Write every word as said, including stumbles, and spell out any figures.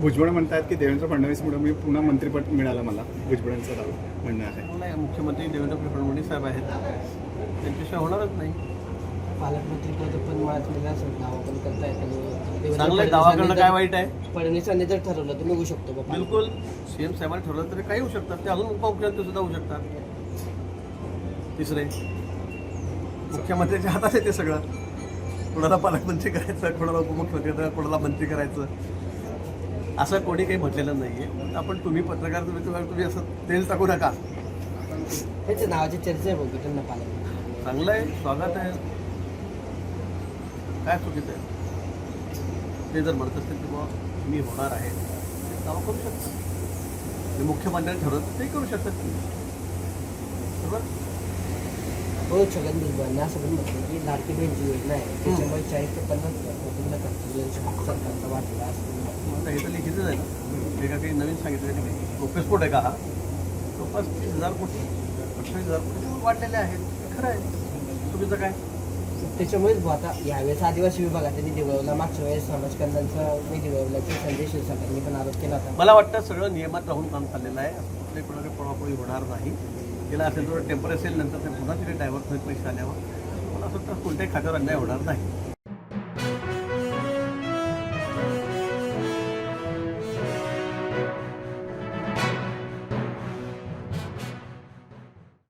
भुजबळ म्हणतात की देवेंद्र फडणवीसमुळे मी पुन्हा मंत्रिपद मिळालं मला, भुजबळांचं दावा म्हणणं आहे. नाही, मुख्यमंत्री देवेंद्र फडणवीस साहेब आहेत, त्यांच्याशिवाय होणारच नाही. पालकमंत्री पद पण माझ्या असं दावा पण करतायत आणि चांगलं आहे, दावा करणं काय वाईट आहे? फडणवीसांनी जर ठरवलं तर निघू शकतो बाबा. बिलकुल. सीएम साहेबांनी ठरवलं तरी काही होऊ शकतात, ते अजून उपमुख्यमंत्री सुद्धा होऊ शकतात. तिसरे मुख्यमंत्र्यांच्या हातात आहे ते सगळं. कोणाला पालकमंत्री करायचं, कोणाला उपमुख्यमंत्री करायचं, कोणाला मंत्री करायचं, असं कोणी काही म्हटलेलं नाही आहे. आपण तुम्ही पत्रकार तुम्ही तुम्हाला तुम्ही असं तेल टाकू नका. त्याच्या नावाची चर्चा आहे बघू त्यांना पालक. चांगलं आहे, स्वागत आहे, काय चुकीचं आहे? ते जर म्हणत असतील की बाबा मी होणार आहे, ते दावा करू शकतात. ते मुख्यमंत्र्यांनी ठरवलं तर ते करू शकतात. बरोबर. हो, छगन भुजबळांनी असं पण म्हटलं की लाडकी बहीणची योजना आहे, त्याच्यामुळे चाळीस ते पन्नास कोटींना खर्च सरकारचा वाटला असं. आता हे तर लिखितच आहे ना, हे का काही नवीन सांगितलं नाही, काही गोप्यस्फोट आहे का हा? जवळपास तीस हजार कोटी अठ्ठावीस हजार कोटी वाढलेले आहेत. खरं आहे, चुकीचं काय? त्याच्यामुळेच आता यावेळेस आदिवासी विभागाचा निधी वळवला, मागच्या वेळेस समाज कल्याणचा निधी वळवल्याचा संजय शिरसाटांनी पण आरोप केला होता. मला वाटतं सगळं नियमात राहून काम चाललेलं आहे. कुठे कोणाकडे पळापळी होणार नाही. गेला असेल तर टेम्पररी असेल, नंतर ते पुन्हा तिथे डायव्हर्ट होईल पैसे आल्यावर. मला असं वाटतं कोणत्याही खात्यावर अन्याय होणार नाही.